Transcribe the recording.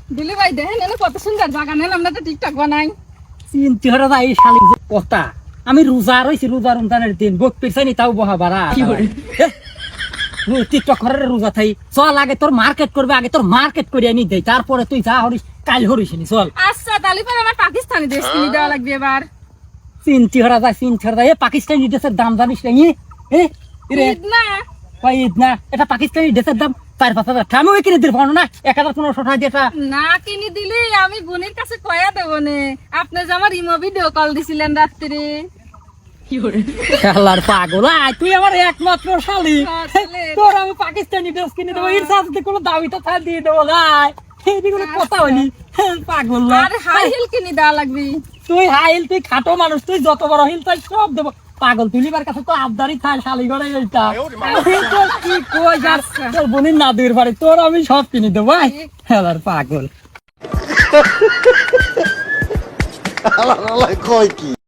দিলি ভাই দেখেন এনে কত সুন্দর বাগান আমরা তো টিকটক বানাই। চিন্তি হরে এই শালি যে কথা আমি রোজা রইছি রোজা রমজানের দিন বক পেছানি তাও বহা বাড়া টিকটক করে রোজা থাই চল আগে তোর মার্কেট করবে আগে তোর মার্কেট করে আনি দেই তারপরে তুই যা হরিস কাল হরিস নি চল। আচ্ছা তাহলে পরে আমার পাকিস্তানি ড্রেস কিনে দেওয়া লাগবে এবার। চিন্তি হরা যায় এ পাকিস্তানি ড্রেসের দাম জানিস না রে ঈদ না ঈদ না এটা পাকিস্তানি ড্রেসের দাম 4-5 হাজার আমি ওই কিনে দিতে পারবো না 1,500 টাকা দিয়ে না কিনে দিলি আমি বোনের কাছে কয়া দেবো নে। আপনি যে আমার ইমো ভিডিও কল দিছিলেন রাত্রে। শালার পাগল আয় তুই আমার একমাত্র শালি তোর আমি পাকিস্তানি ড্রেস কিনে দেবো এর সাথে কোনো দাবি তো থাক দিয়ে দেবো ভাই এইগুলো কথা হইনি পাগল না। আরে হাই হিল কিনে দেওয়া লাগবে। তুই হাইল তুই খাটো মানুষ তুই যত বড় হিল তাই সব দেবো পাগল তুলিবার কাছে তো আবদারি খায় শালি ঘরে এইটা কি কই যাস তোর বোনের না দুইয়ের বাড়ি তোর আমি সব কিনে দেবো ভাই শালার পাগল কয় কি